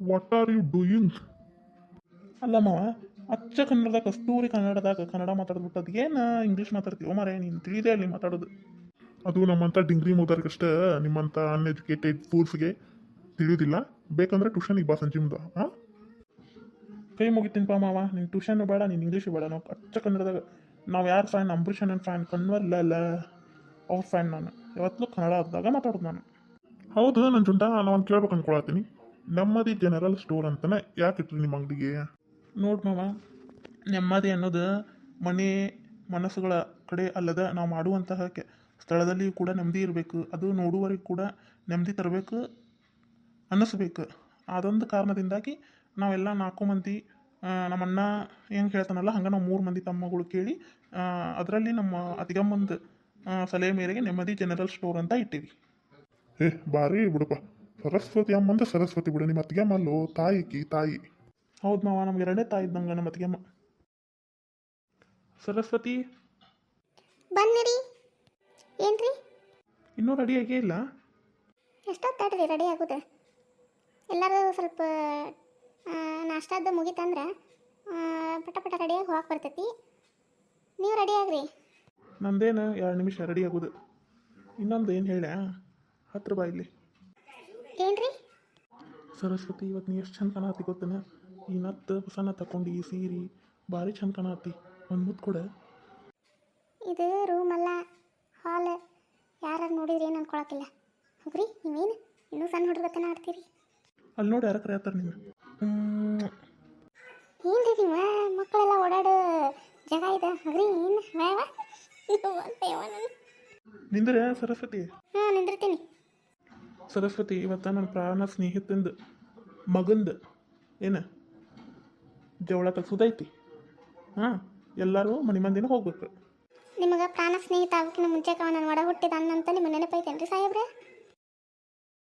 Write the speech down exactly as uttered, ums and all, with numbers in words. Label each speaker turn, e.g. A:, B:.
A: What are you doing?
B: ಅಲ್ಲ ಮಾವ, ಅಚ್ಚ ಕನ್ನಡದಾಗ ಕಸ್ತೂರಿ ಕನ್ನಡದಾಗ ಕನ್ನಡ ಮಾತಾಡ್ಬಿಟ್ಟು ಅದು ಏನು ಇಂಗ್ಲೀಷ್ ಮಾತಾಡ್ತೀವೋ ಮಾರೇ, ನೀನು ತಿಳಿದೇ ಅಲ್ಲಿ ಮಾತಾಡೋದು.
A: ಅದು ನಮ್ಮಂಥ ಡಿಂಗ್ರಿ ಮುದರ್ಗಷ್ಟೇ, ನಿಮ್ಮಂಥ ಅನ್ಎಜುಕೇಟೆಡ್ ಫೂಲ್ಸ್ಗೆ ತಿಳಿಯೋದಿಲ್ಲ. ಬೇಕಂದ್ರೆ ಟ್ಯೂಷನಿಗೆ ಬಾ ಸಂಜೆ ಮುಂದೆ. ಹಾಂ,
B: ಕೈ ಮುಗಿತೀನಿಪ್ಪ ಮಾವ, ನೀನು ಟ್ಯೂಷನ್ ಬೇಡ, ನೀನು ಇಂಗ್ಲೀಷು ಬೇಡ. ನಾವು ಅಚ್ಚ ಕನ್ನಡದಾಗ ನಾವು ಯಾರು ಫ್ಯಾನ್? ಅಂಬರೀಷ್ ನನ್ನ ಫ್ಯಾನ್, ಕನ್ವರ್ಲ ಅಲ್ಲ ಅವ್ರ ಫ್ಯಾನ್. ನಾನು ಯಾವತ್ತೂ ಕನ್ನಡ ಆದಾಗ ಮಾತಾಡೋದು ನಾನು.
A: ಹೌದು ನನ್ನ ಜುಂಟ, ನಾನು ಒಂದು ಕೇಳ್ಬೇಕು ಅನ್ಕೊಳತ್ತೀನಿ. ನೆಮ್ಮದಿ ಜನರಲ್ ಸ್ಟೋರ್ ಅಂತಾನೆ ಯಾಕೆ ಇಟ್ರಿ ನಿಮ್ಮ ಅಂಗಡಿಗೆ?
B: ನೋಡು ಮಾವ, ನೆಮ್ಮದಿ ಅನ್ನೋದು ಮನೆ ಮನಸ್ಸುಗಳ ಕಡೆ ಅಲ್ಲದ ನಾವು ಮಾಡುವಂತಹ ಕೆ ಸ್ಥಳದಲ್ಲಿ ಕೂಡ ನೆಮ್ಮದಿ ಇರಬೇಕು. ಅದು ನೋಡುವವರಿಗೆ ಕೂಡ ನೆಮ್ಮದಿ ತರಬೇಕು ಅನ್ನಿಸ್ಬೇಕು. ಅದೊಂದು ಕಾರಣದಿಂದಾಗಿ ನಾವೆಲ್ಲ ನಾಲ್ಕು ಮಂದಿ ನಮ್ಮಣ್ಣ ಹೆಂಗೆ ಹೇಳ್ತಾನಲ್ಲ ಹಂಗೆ ನಾವು ಮೂರು ಮಂದಿ ತಮ್ಮಗಳು ಕೇಳಿ ಅದರಲ್ಲಿ ನಮ್ಮ ಅತಿಗಮ್ಮಂದು ಸಲಹೆ ಮೇರೆಗೆ ನೆಮ್ಮದಿ ಜನರಲ್ ಸ್ಟೋರ್ ಅಂತ ಇಟ್ಟಿವಿ.
A: ಏ ಬಾರಿ ಬಿಡಪ್ಪ, ಸರಸ್ವತಿ ಅಮ್ಮಂದ ಸರಸ್ವತಿ ಬಿಡು. ನಿಮ್ಮ ಅತ್ತಿಗೆ ಅಮ್ಮಲ್ಲೋ ತಾಯಿಕಿ ತಾಯಿ.
B: ಹೌದು ಮಾವ, ನಮ್ಗೆ ಎರಡೇ ತಾಯಿ ಇದ್ದಂಗೆ ನಮ್ಮ ಅತ್ತಿಗೆಮ್ಮ ಸರಸ್ವತಿ.
C: ಬನ್ನಿರಿ. ಏನ್ರಿ
B: ಇನ್ನೂ ರೆಡಿಯಾಗೇ ಇಲ್ಲ?
C: ಎಷ್ಟೊತ್ತಾಡ್ರಿ ರೆಡಿ ಆಗೋದು? ಎಲ್ಲರೂ ಸ್ವಲ್ಪ ನಾಷ್ಟಾದ ಮುಗಿತಂದ್ರೆ ಪಟ ಪಟ ರೆಡಿಯಾಗಿ ಹೋಗಕ್ಕೆ ಬರ್ತೈತಿ. ನೀವು ರೆಡಿ ಆಗ್ರಿ.
B: ನಂದೇನು ಎರಡು ನಿಮಿಷ ರೆಡಿ ಆಗೋದು. ಇನ್ನೊಂದು ಏನು ಹೇಳ, ಹತ್ತು ರೂಪಾಯಿ ಇಲ್ಲಿ.
C: ಏನ್ರಿ
B: ಸರಸ್ವತಿ, ಇವತ್ತು ನೀ ಎಷ್ಟು ಚಂದ ಕಾಣತ್ತಿ ಗೊತ್ತನ? ಈ ನತ್ತು ಹೊಸನ ತಗೊಂಡು ಈ ಸೀರೆ ಭಾರಿ ಚಂದ ಕಾಣತ್ತಿ. ಒಂದು ಮುತ್ತು ಕೊಡ.
C: ಇದು ರೂಮ್ ಅಲ್ಲ, ಹಾಲ್. ಯಾರು ನೋಡಿದ್ರಿ ಏನು ಅನ್ಕೊಳಕ್ಕಿಲ್ಲ. ಹೋಗ್ರಿ, ನೀವೇನು ಇನ್ನೂ ಸಣ್ಣ ಹುಡುಗತನ ಆಡ್ತೀರಿ.
B: ಅಲ್ಲಿ ನೋಡಿ ಯಾರ ಕರೆ ಆಡ್ತಾರೆ ನೀವು.
C: ಏನ್ರಿ ನೀವು ಮಕ್ಕಳೆಲ್ಲ ಓಡಾಡೋ ಜಾಗ ಇದೆ. ಹೋಗ್ರಿ, ಏನು ವ್ಯಾವ
B: ನಿಂದ್ರೆ ಸರಸ್ವತಿ.
C: ಹಾಂ, ನಿಂದಿರ್ತೀನಿ.
B: ಸರಸ್ವತಿ, ಇವತ್ತು ನನ್ನ ಪ್ರಾಣ ಸ್ನೇಹಿತಂದು ಮಗಂದು ಏನು ಜವಳ ತೆಗ್ಸೋದೈತಿ. ಹಾಂ, ಎಲ್ಲರೂ ಮನೆ ಮಂದಿನ ಹೋಗ್ಬೇಕು.
C: ನಿಮಗೆ ಪ್ರಾಣ ಸ್ನೇಹಿತ ಆಗೋಕ್ಕಿಂತ ಮುಂಚೆಕ ನಾನು ಒಡ ಹುಟ್ಟಿದ ಅನ್ನಂತ ನಿಮ್ಮ ನೆನಪೈತೇನ್ರಿ ಸಾಹೇಬ್ರೆ?